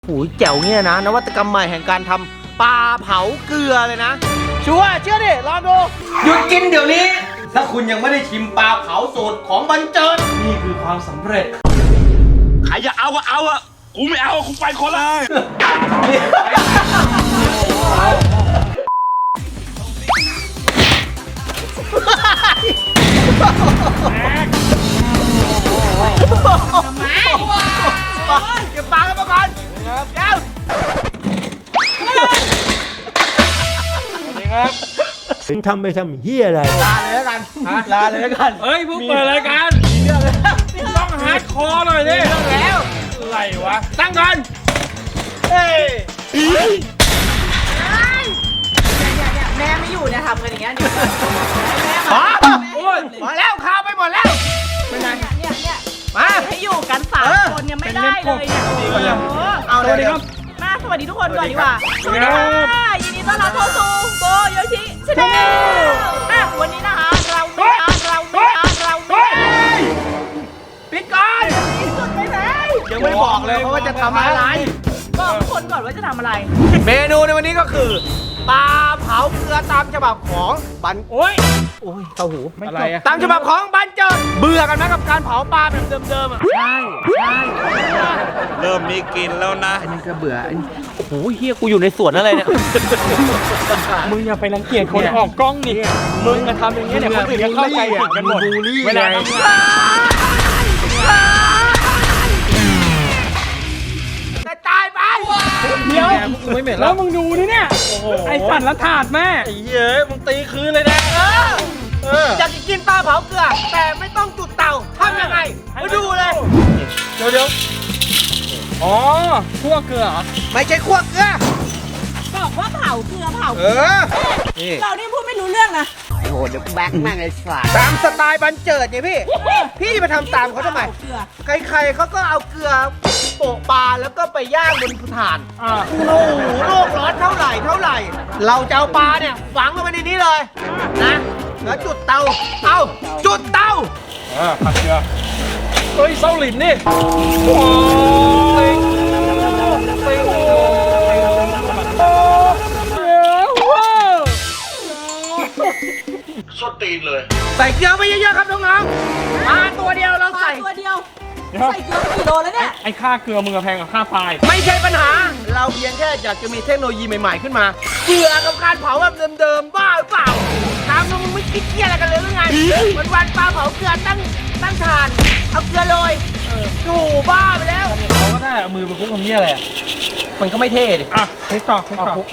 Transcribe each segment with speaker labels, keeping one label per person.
Speaker 1: หูยแจ๋วเนี่ยนะนวัตกรรมใหม่แห่งการทำปลาเผาเกลือเลยนะชัวร์เชื่อดิลองดูหยุดกินเดี๋ยวนี้ถ้าคุณยังไม่ได้ชิมปลาเผาสูตรของบรรเจิดนี่คือความสำเร็จ
Speaker 2: ใครจะเอาก็เอาอะกูไม่เอากูไปคนละ
Speaker 1: เก็บปลากันมาก่อนเดี๋ยว
Speaker 3: ถึงทำไปทำเฮียอะไร
Speaker 1: ลาเลยแล้วกันลาเลยแล้วกัน
Speaker 2: เฮ้ยเพิ่งเปิดรายการต้องฮาร์ดคอร์หน่อยดิ
Speaker 1: แล้ว
Speaker 2: อะไรวะตั้งกัน
Speaker 1: เฮ้ย
Speaker 4: แม่ไม่อยู่เนี่ยทำกันอย่างเงี้ยเดี๋ยวแม่มา
Speaker 1: โอ้ยหมดแล้วข้าวไปหมดแล้ว
Speaker 4: เป็นไงเนี่ย
Speaker 1: มา
Speaker 4: ให้อยู่กัน3 คนยังไม่ได้เลยเนี่ย
Speaker 1: เอาเลยครับ
Speaker 4: มาสวัสดีทุกคนก่อนดีกว่าสวัสดีค่ะยินดีต้อนรับเข้าสู่โบโยชิชาแนลวันนี้นะคะเรา
Speaker 1: ปิดก่อน
Speaker 4: สุดไปไหน
Speaker 1: ยังไม่บอกเลยเพราะว่าจะทำอะไร
Speaker 4: บอกทุกคนก่อนว่าจะทำอะไร
Speaker 1: เมนูในวันนี้ก็คือปลาเผาเกลือตามฉบับของบันโอ้ยเข้าหู
Speaker 2: อะไรอะ
Speaker 1: ตามฉบับของบันเจิดเบื่อกันไหมกับการเผาปลาแบบเดิมๆอ่ะใช่
Speaker 2: เริ่มมีกินแล้วนะ
Speaker 1: อันนี้ก็เบื่อโอ้โหเฮียกูอยู่ในสวนอะไรเนี่ย
Speaker 2: มึงอย่าไปรังเกียจคนออกกล้องนี่มึงมาทำอย่างเงี้ยเนี่ยคนอื่นจะเข้าใจผิดกันหมดเวลาทำงาน
Speaker 1: ตายไป
Speaker 2: เดี๋ยวแล้วมึงดูนี่เนี่ยไอ้สั่นละถาดแม่ไอ้เย้ยมึงตีคืนเลยนะ
Speaker 1: อยากกินปลาเผาเกลือแต่ไม่ต้องจุดเตาทำยังไงมาดูเลย
Speaker 2: เดี๋ยวอ๋อคั่วเกลือเหรอ
Speaker 1: ไม่ใช่คั่วเกลือ
Speaker 4: บอกว่าเผาเกลือเรานี่พูดไม่รู้เรื่องนะ
Speaker 1: โอ้โหเดี๋ยวแบกแม่งไอ้สัสตามสไตล์บันเจิดเนี่ยพี่มาทำตามเขาทำไมใครๆเขาก็เอาเกลือโปะปลาแล้วก็ไปย่างบนถ่านโอ้โหโลกร้อนเท่าไหร่เราจะเอาปลาเนี่ยฝังลงไปในนี้เลยนะแล้วจุดเตาจุดเตา
Speaker 2: ผัดเกลือเฮ้ยเซาหลินนี่
Speaker 1: สดตีนเลยใส่เกลือไปเยอะๆครับน้องๆปลาตัวเดียวเราใส่
Speaker 4: ตัวเดียวใส่เกลือกี่โลแล้วเนี่ย
Speaker 2: ไอ้ค่าเกลือมึงแพงกว่าค่าปลา
Speaker 1: ไม่ใช่ปัญหาเราเพียงแค่อยากจะมีเทคโนโลยีใหม่ๆขึ้นมาเบื่อกับการเผาแบบเดิมๆบ้าหรือเปล่าถามมึงไม่คิดเกียอะไรกันเลยหรือไงวันปลาเผาเกลือตั้งถ่านเอาเกลือโรยดูบ้าไปแล้ว
Speaker 2: เขาก็ได้มือไปคุกทำเนี้ยอะไร
Speaker 1: มันก็ไม่เท่ดิ
Speaker 2: เทสต่อ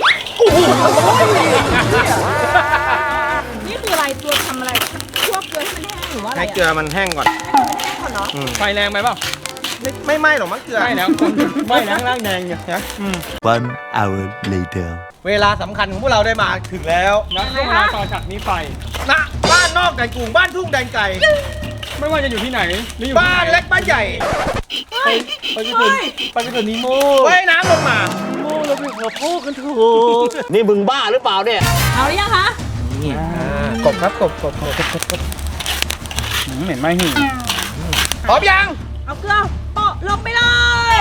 Speaker 4: นี่คืออะไรตัวทำอะไรคั่วเกลือให้มันแห้งหรือว่าอะไร
Speaker 1: ให้เกลือมันแห้งก่อน
Speaker 2: ไฟแรงไปเปล่า
Speaker 1: ไม่ไหม้หรอกมั้งเกลือ
Speaker 2: ไม่แล้วไม่แล้วร่างแดงเนี่ยนะ
Speaker 3: 1 hour later
Speaker 1: เวลาสำคัญของพวกเราได้มาถึงแล้ว
Speaker 2: นะช่วงเวลาต่อจากนี้ไป
Speaker 1: นะบ้านนอกแดนกรุงบ้านทุ่งแดนไก่
Speaker 2: ไม่ว่าจะอยู่ที่ไหน
Speaker 1: บ้านเล็กบ้านใหญ่
Speaker 2: ไปจะถึงนิโม่
Speaker 1: ว่ายน้ำลงมา
Speaker 2: โม่เราไปหัวพูกันถูก
Speaker 3: นี่มึงบ้าหรือเปล่าเนี่ย
Speaker 4: เอาหรือยังคะ
Speaker 1: กบครับกบ
Speaker 2: เหม็นไหมหิ่ง
Speaker 1: พร้อมยัง
Speaker 4: เอาเกลือโปะลงไปเลย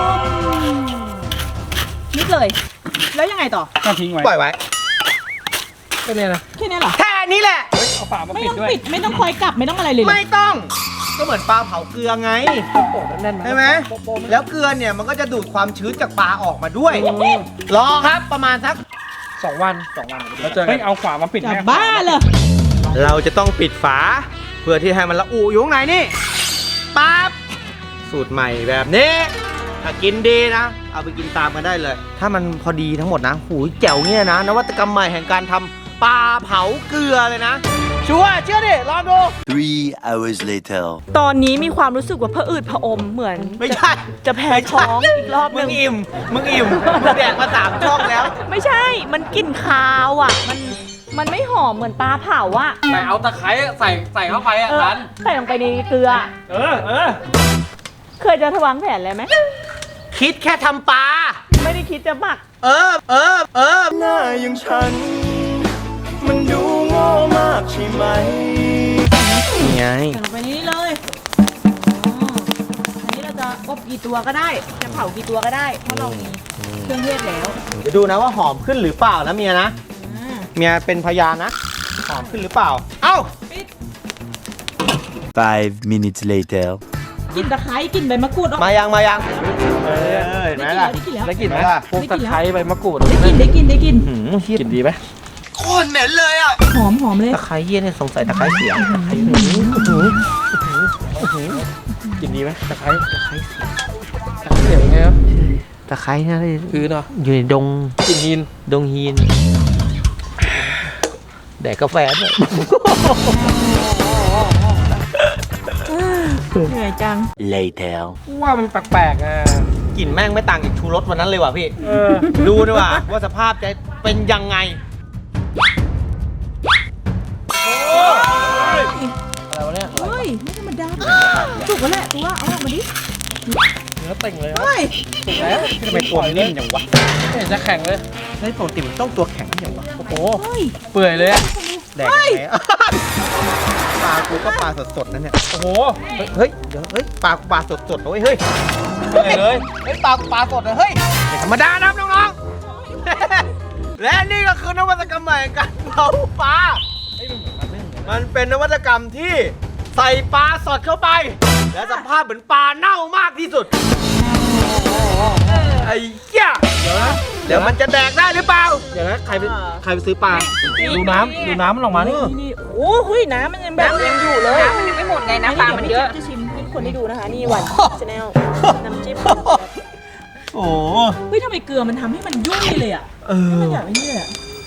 Speaker 4: นิดเลยแล้วยังไงต่อ
Speaker 2: ก็ทิ้งไว้
Speaker 1: ปล่อยไว้แค่นี้นะ
Speaker 4: แค่นี้เหรอ
Speaker 1: แค่นี้แหละ
Speaker 2: เอาฝามา
Speaker 4: ปิ
Speaker 2: ดด้วย
Speaker 4: ไม่ต้องคอยกลับไม่ต้องอะไรเลย
Speaker 1: ไม่ต้องก็เหมือนปลาเผาเกลือไงใช่ไหมแล้วเกลือเนี่ยมันก็จะดูดความชื้นจากปลาออกมาด้วยรอครับประมาณสัก2 วัน
Speaker 2: แล้วเจอเอาฝามาปิด
Speaker 4: จะบ้าเลย
Speaker 1: เราจะต้องปิดฝาเพื่อที่ให้มันละอุอยู่ข้างในนี่ปั๊บสูตรใหม่แบบนี้ถ้ากินดีนะเอาไปกินตามกันได้เลยถ้ามันพอดีทั้งหมดนะหูยแจ๋วเนี่ยนะนวัตกรรมใหม่แห่งการทำปลาเผาเกลือเลยนะชัวร์เชื่อดิลองดู
Speaker 3: 3 hours later
Speaker 4: ตอนนี้มีความรู้สึกว่าผะอืดผะอมเหมือน
Speaker 1: ไม่ใช่
Speaker 4: จะแพ้ท้องอีกรอบนึง
Speaker 1: มึงอิ่มมึงแดกมา3 ช่องแล้ว
Speaker 4: ไม่ใช่มันกลิ่นคาวอ่ะมันไม่หอมเหมือนปลาเผาอ่ะ
Speaker 2: แต่เอาตะไคร้ใส่เข้าไปอ่ะทัน
Speaker 4: ใส่ลงไปในเกลือเคยจะวางแผนเลยไหม
Speaker 1: คิดแค่ทำปลา
Speaker 4: ไม่ได้คิดจะหมัก
Speaker 1: หน้าอย่างฉันมันดูโง่มากใช่ไหมนี่ไง
Speaker 4: ใส่ลงไปนี้เลยอันนี้เราจะอบกี่ตัวก็ได้จะเผากี่ตัวก็ได้เพราะเรามีเครื่องเทศแล้ว
Speaker 1: เดี๋ยวดูนะว่าหอมขึ้นหรือเปล่านะเมียนะ
Speaker 4: อ่า
Speaker 1: เมียเป็นพยานนะ หอมขึ้นหรือเปล่า เอ้า
Speaker 3: 5 minutes later.
Speaker 4: กลิ่นตะไคร้กลิ่นใบมะกรูดออก
Speaker 1: มายังเห็นไหมล่ะ
Speaker 2: ได้กลิ่นไหม
Speaker 1: ได้กลิ่นไหมล่ะ
Speaker 2: พวกตะไคร้ใบมะกรูด
Speaker 4: ได้กลิ่น
Speaker 2: กลิ่นดีไหม
Speaker 1: โคตรเหม็นเลยอ่ะ
Speaker 4: หอมเลย
Speaker 1: ตะไคร้เยี่ยเนี่ยสงสัยตะไคร้เสีย
Speaker 2: กลิ่นดีไหมตะไคร้เสียงไงครับ
Speaker 1: ตะไคร้เนี่ย
Speaker 2: คือเนาะ
Speaker 1: อยู่ในดง
Speaker 2: กลิ่นหิน
Speaker 1: ดงฮีน แดกกาแฟด้วย
Speaker 4: เหนื่อยจัง
Speaker 3: Later.
Speaker 2: ว่ามันแปลกๆอ่ะ
Speaker 1: กลิ่นแม่งไม่ต่างจากชูรสวันนั้นเลยว่ะพี่
Speaker 2: เออ
Speaker 1: ดูดีกว่าว่าสภาพจะเป็นยังไง
Speaker 2: อะไรวะเนี่ย
Speaker 4: เฮ้ยไม่ธรรมดาสุกแล้วแหละตัวเอาออกมาดิ
Speaker 2: เนื้อเต่งเลยครับ
Speaker 4: เฮ้ย
Speaker 2: ถูกแล้ว
Speaker 1: ทำไมตัวมันนิ่มจังวะ
Speaker 2: ไม่เห็นจะแข็งเลย
Speaker 1: เฮ้ยปกติมันต้องตัวแข็งอย่างวะ
Speaker 2: โอ้โห
Speaker 4: เฮ้ย
Speaker 2: เปื่อยเลยอะ
Speaker 1: แดกยังไงอะปลากูก็ปลาสดๆนั่นเนี่ย
Speaker 2: โอ้โห
Speaker 1: เฮ้ยเดี๋ยวเฮ้ยปลากูปลาสดๆนะเว้ยเฮ้ย
Speaker 2: เปื่อยเลย
Speaker 1: เฮ้ยปลากูปลาสดเลยเฮ้ยไม่ธรรมดานะน้องๆ และนี่ก็คือนวัตกรรมใหม่การเผาปลา มันเป็นนวัตกรรมที่ใส่ปลาสดเข้าไป และสภาพเหมือนปลาเน่ามากที่สุด ไอ้เหี้ยเดี๋ยวมันจะแดกได้หรือเปล่า
Speaker 2: เดี๋ยวนะใครไปซื้อปลา ดูน้ำมันออกมานี่
Speaker 4: นี่โอ้เฮ้ยน้ำมันยังแบบยังอยู่เลยน้ำมันยังไม่หมดไงน้ำปลามันเยอะจะชิมให้คนได้ดูนะคะนี่หวานชาแนลน้ำจิ้ม
Speaker 1: โอ้
Speaker 4: เฮ้ยทำไมเกลือมันทำให้มันยุ่ยเลยอ่ะมันอยากไม่นี่เลยอ่ะ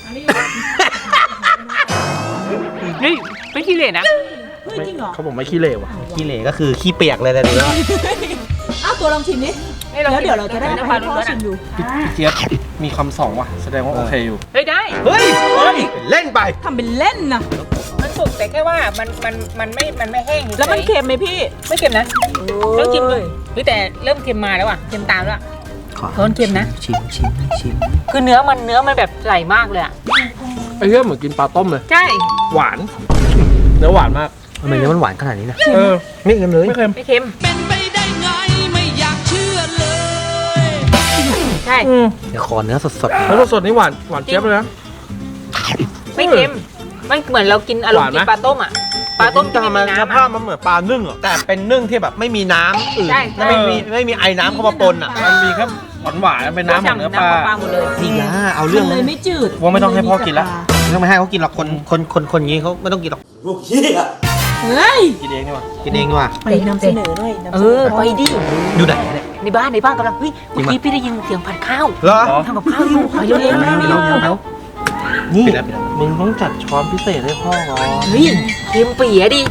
Speaker 5: นี่ไม่ขี้เหร่นะ
Speaker 4: เฮ้ยจริงเหรอ
Speaker 2: เขาบอกไม่ขี้เหร่ว่ะ
Speaker 1: ขี้เหร่ก็คือขี้เปียกเลยนะดูแล้ว
Speaker 4: อ้าวตัวลองชิมดิแล้วเดี๋ยวเราจะได้ให้พ่อชิมดู
Speaker 2: พี่เจี๊ยบมีคำสองว่ะ แสดงว่าโอเคอยู่
Speaker 5: เฮ้ยได้
Speaker 1: เฮ้ยเล่นไป
Speaker 4: ทำเป็นเล่นนะ
Speaker 5: มันสุกแต่แค่ว่ามันไม่แห้งเฉยๆ
Speaker 4: แล้วมันเค็มไหมพี่
Speaker 5: ไม่เค็มนะต้องชิมดูเฮ้ยแต่เริ่มเค็มมาแล้วอ่ะเค็มตามแล้วอะเพราะมันเค็มนะ
Speaker 1: ชิม
Speaker 5: คือเนื้อมันแบบไหลมากเลยอ่ะ
Speaker 2: ไอ้เรื่องเหมือนกินปลาต้มเลย
Speaker 5: ใช่
Speaker 2: หวาน เนื้อหวานมาก
Speaker 1: ทำไมเนื้อมันหวานขนาดนี้นะ
Speaker 2: เออ
Speaker 1: ไม่เค็มเลย
Speaker 2: ไม่เค็ม
Speaker 5: ไม่เค็ม
Speaker 6: เป็นไปได้ไงไม่อยากเชื่อเลย
Speaker 5: ใช่
Speaker 1: เดี๋ยวขอเนื้อสด
Speaker 2: แล้วสดๆนี่หวานเจี๊ยบเลยนะ
Speaker 5: ไม่เค็มมันเหมือนเรากินอารม
Speaker 2: หวาน
Speaker 5: ณ์
Speaker 2: ไหม
Speaker 5: กินปลาต้มอ่ะ
Speaker 1: ๆ
Speaker 5: ปลาต้มที่
Speaker 1: ทำ
Speaker 5: ไม่
Speaker 1: ไม
Speaker 5: มี
Speaker 1: ส
Speaker 5: น้ำ
Speaker 1: ภาพ
Speaker 5: อะ
Speaker 1: มันเหมือนปลานึ่งอ่ะแต่เป็นนึ่งที่แบบไม่มีน้ำอื่น
Speaker 5: ใช่
Speaker 1: ไม่มีไอ้น้ำเข้ามาปนอ่ะ
Speaker 2: มันมีแค่หวานๆเป็นน้ำของเนื้อปลา
Speaker 5: น้ำของปลาหมดเลย
Speaker 1: จริงนะเอาเรื่อง
Speaker 4: เลยไม่จืด
Speaker 2: ว่าไม่ต้องให้พ่อกินละ
Speaker 1: ไม่ต้องไปให้เขากินหรอกคนอย่างนี้เขาไม่ต้องกินหรอก
Speaker 4: เฮ้ย
Speaker 2: กินเองดีกว่า
Speaker 1: กินเองดีกว่า
Speaker 4: ไปนำเสนอหน่อยนำ
Speaker 5: เอ
Speaker 4: เสน
Speaker 5: อ
Speaker 4: อ
Speaker 5: ไปดิ
Speaker 1: อยู่ไหนเนี่ย
Speaker 5: ในบ้านกำลังเฮ้ยเมื่อกี้พี่ได้ยินเสียงผัดข้าว
Speaker 1: เหรอ
Speaker 5: ทำกับข้าวอยู่ไปเร็วๆ
Speaker 1: นี่
Speaker 2: มึงต้องจัดช้อนพิเศษให้พ่อก่อน
Speaker 5: เฮ้ยเค็มเปียดิ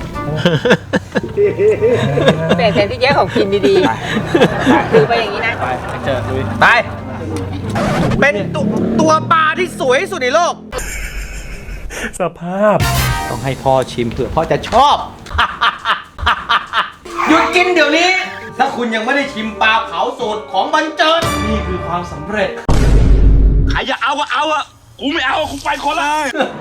Speaker 5: แต่แทนที่แย่ของกินดีๆคือไปอย่างนี้นะ
Speaker 2: ไปเจอลุย
Speaker 1: ไปเป็นตัวปลาที่สวยที่สุดในโลก
Speaker 2: สภาพ
Speaker 1: ต้องให้พ่อชิมเผื่อพ่อจะชอบ หยุดกินเดี๋ยวนี้ ถ้าคุณยังไม่ได้ชิมปลาเผาสูตรของบรรเจิด
Speaker 2: นี่คือความสำเร็จ
Speaker 7: ใครจะเอาก็เอาอะกูไม่เอากูไปคนละ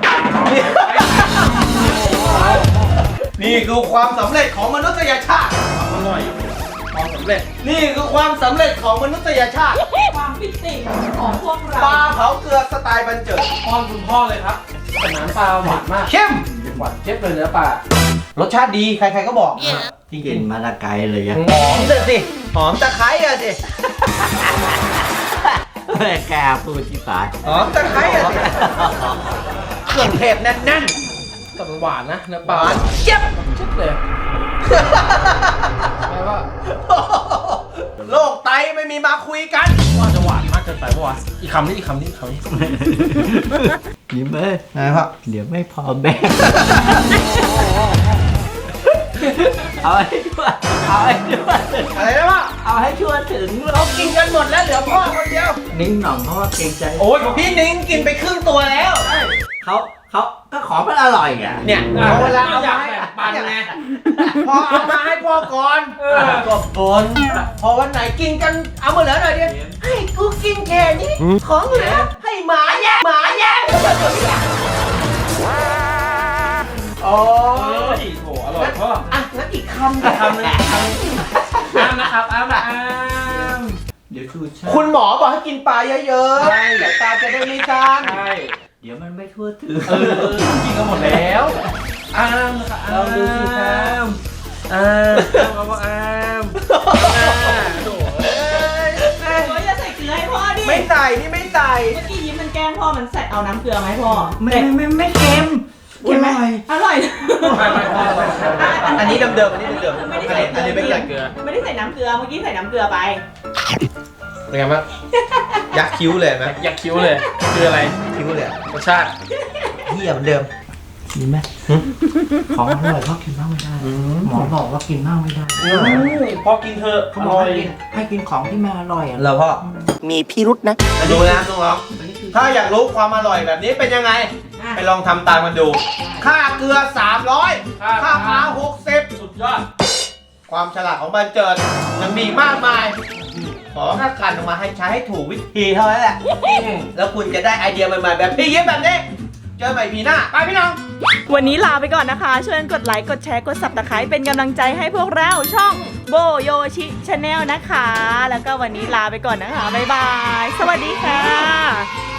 Speaker 1: นี่คือความสำเร็จของมนุษยชาติ
Speaker 2: อร่อย ความสำเร็จ
Speaker 1: นี่คือความสำเร็จของมนุษยชาติ
Speaker 4: ความปิติของพวก
Speaker 1: ป
Speaker 4: เรา
Speaker 1: ลาเผาเกลือสไตล์บรรเจิด
Speaker 2: ป้อนคุณพ่อเลยครับแต่น้ำปลาหวานมาก
Speaker 1: เข้ม
Speaker 2: หวานเจี๊ยบเลยเนื้อปลาร
Speaker 1: สชาติดีใครๆก็บอกจริงๆมาละไกลเลยอะหอมสิหอมตะไคร้อะสิ
Speaker 3: แกพูดที่สาย
Speaker 1: หอมตะไคร้อะสิเครื่องเทศแน่น
Speaker 2: แต่มันหวานนะเนื้อ
Speaker 1: ๆ
Speaker 2: ปลา
Speaker 1: หวานเจี๊ยบ
Speaker 2: เจี๊ยบเลยแปลว่า
Speaker 1: โรคไตไม่มีมาคุยกัน
Speaker 2: ว่าจะหวานมากเกินไปปะวะอีกคำนี้
Speaker 3: ยิ้มไหม
Speaker 1: ไงพ่อ
Speaker 3: เดี๋ยวไม่พอแบ่งเอาให้ช่วยเอาให้ช่วย
Speaker 1: อะไรนะพ่อ
Speaker 3: เอาให้ช่วยถึง
Speaker 1: เรากินกันหมดแล้วเหลือพ่อคนเดียว
Speaker 3: นิ้งหน่องเพราะว่าเกรงใจ
Speaker 1: โอ้ยพี่นิ้งกินไปครึ่งตัวแล้ว
Speaker 3: เขาก็ของมันอร่อยอ่ะ
Speaker 1: เนี่ยเอาเวลาเอามาให้
Speaker 2: ปันไง
Speaker 1: พอเอามาให้พ่อก่อนก็บนพอวันไหนกินกันเอามาเหลือหน่อยเดียวให้กูกินแค่นี้ของเหลือให้หมาแย่งโอ้
Speaker 2: โอ้ยโหอร่อยพ่อ
Speaker 1: อ่ะงั้นอีกคำ
Speaker 2: คำนึงอ้ามนะครับอ้ามนะอ้ามเดี๋ยวชูชา
Speaker 1: คุณหมอบอกให้กินปลาเยอะๆสายตาจะได้ไม่สั้น
Speaker 2: ใช่
Speaker 3: เดี๋ยวมันไม่ทั่วถึง
Speaker 2: กินกันหมดแล้วอ้ามนะครับ
Speaker 3: ลองดูสิครับ
Speaker 2: อ้ามเอาว่าอ้ามโถ่เอ้ย
Speaker 4: โอ้ยอย่าใส่เกลือให้พ่อดิ
Speaker 1: ไม่ใส่นี่ไม่ใส่
Speaker 4: เมื่อกี้ยิ้มมันแกล้งพ่อมันใส่เอาน้ำเกลือไหมพ่อ
Speaker 3: ไม่เค็ม
Speaker 4: เค็มไหมอร่อย
Speaker 1: อันนี้เดิมๆอันนี้เดิมๆ
Speaker 4: ไม่ได้ใส่
Speaker 1: อันนี้ไม่ใส่เกลือ
Speaker 4: ไม่ได้ใส่น้ำเกลือเมื่อกี้ใส่น้ำเกลือไป
Speaker 1: เป็นไงบ้างยักคิ้วเลยไหม
Speaker 2: อยากคิ้วเลยคืออะไร
Speaker 1: คิ้วเลยอะ
Speaker 2: รสชาติ
Speaker 1: เหี้ยเหมือนเดิม
Speaker 3: ดีไหมของอร่อยก็กินมากไม่ได้ หมอบอกว่ากินมากไม่ได้
Speaker 2: พอกินเถอะ
Speaker 3: เขาบอกให้กินของที่มันอร่อยอ่ะ
Speaker 1: เราพ่อมีพิรุษนะดูนะน้องๆถ้าอยากรู้ความอร่อยแบบนี้เป็นยังไง ไปลองทำตามกันดู ค่าเกลือ 300 ค่าปลา60
Speaker 2: สุดยอด
Speaker 1: ความฉลาดของบันเจิดยังมีมากมาย ขอแค่กันออกมาให้ใช้ให้ถูกวิธีเท่านั้นแหละ แล้วคุณจะได้ไอเดียใหม่ๆแบบพี่ยิ้มแบบนี้ เจอใหม่ปีหน้า ไปพี่น้อง
Speaker 4: วันนี้ลาไปก่อนนะคะช่วยกดไลค์กดแชร์กด Subscribe เป็นกำลังใจให้พวกเราช่องโบโยชิชาแนลนะคะ แล้วก็วันนี้ลาไปก่อนนะคะบ๊ายบาย สวัสดีค่ะ